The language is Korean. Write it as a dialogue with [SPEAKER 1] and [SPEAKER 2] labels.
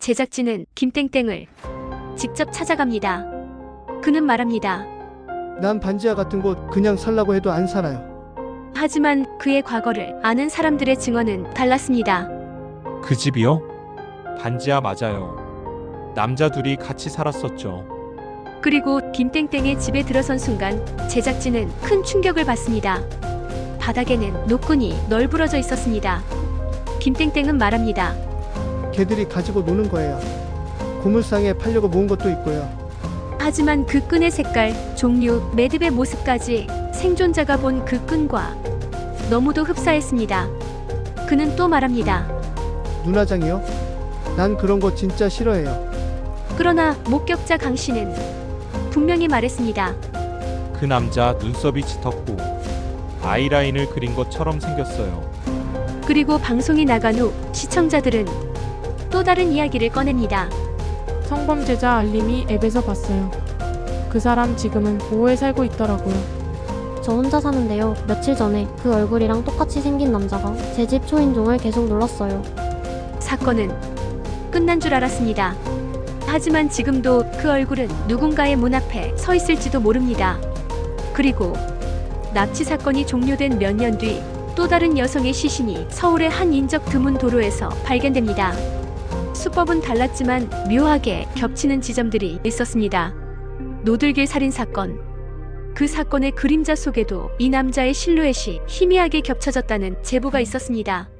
[SPEAKER 1] 제작진은 김땡땡을 직접 찾아갑니다. 그는 말합니다.
[SPEAKER 2] 난 반지하 같은 곳 그냥 살라고 해도 안 살아요.
[SPEAKER 1] 하지만 그의 과거를 아는 사람들의 증언은 달랐습니다.
[SPEAKER 3] 그 집이요? 반지하 맞아요. 남자 둘이 같이 살았었죠.
[SPEAKER 1] 그리고 김땡땡의 집에 들어선 순간 제작진은 큰 충격을 받습니다. 바닥에는 노끈이 널브러져 있었습니다. 김땡땡은 말합니다.
[SPEAKER 2] 걔들이 가지고 노는 거예요. 고물상에 팔려고 모은 것도 있고요.
[SPEAKER 1] 하지만 그 끈의 색깔, 종류, 매듭의 모습까지 생존자가 본 그 끈과 너무도 흡사했습니다. 그는 또 말합니다.
[SPEAKER 2] 눈화장이요? 난 그런 거 진짜 싫어해요.
[SPEAKER 1] 그러나 목격자 강 씨는 분명히 말했습니다.
[SPEAKER 3] 그 남자 눈썹이 짙었고 아이라인을 그린 것처럼 생겼어요.
[SPEAKER 1] 그리고 방송이 나간 후 시청자들은 또 다른 이야기를 꺼냅니다.
[SPEAKER 4] 성범죄자 알림이 앱에서 봤어요. 그 사람 지금은 5호에 살고 있더라고요.
[SPEAKER 5] 저 혼자 사는데요. 며칠 전에 그 얼굴이랑 똑같이 생긴 남자가 제 집 초인종을 계속 눌렀어요.
[SPEAKER 1] 사건은 끝난 줄 알았습니다. 하지만 지금도 그 얼굴은 누군가의 문 앞에 서 있을지도 모릅니다. 그리고 납치 사건이 종료된 몇 년 뒤 또 다른 여성의 시신이 서울의 한 인적 드문 도로에서 발견됩니다. 수법은 달랐지만 묘하게 겹치는 지점들이 있었습니다. 노들길 살인 사건. 그 사건의 그림자 속에도 이 남자의 실루엣이 희미하게 겹쳐졌다는 제보가 있었습니다.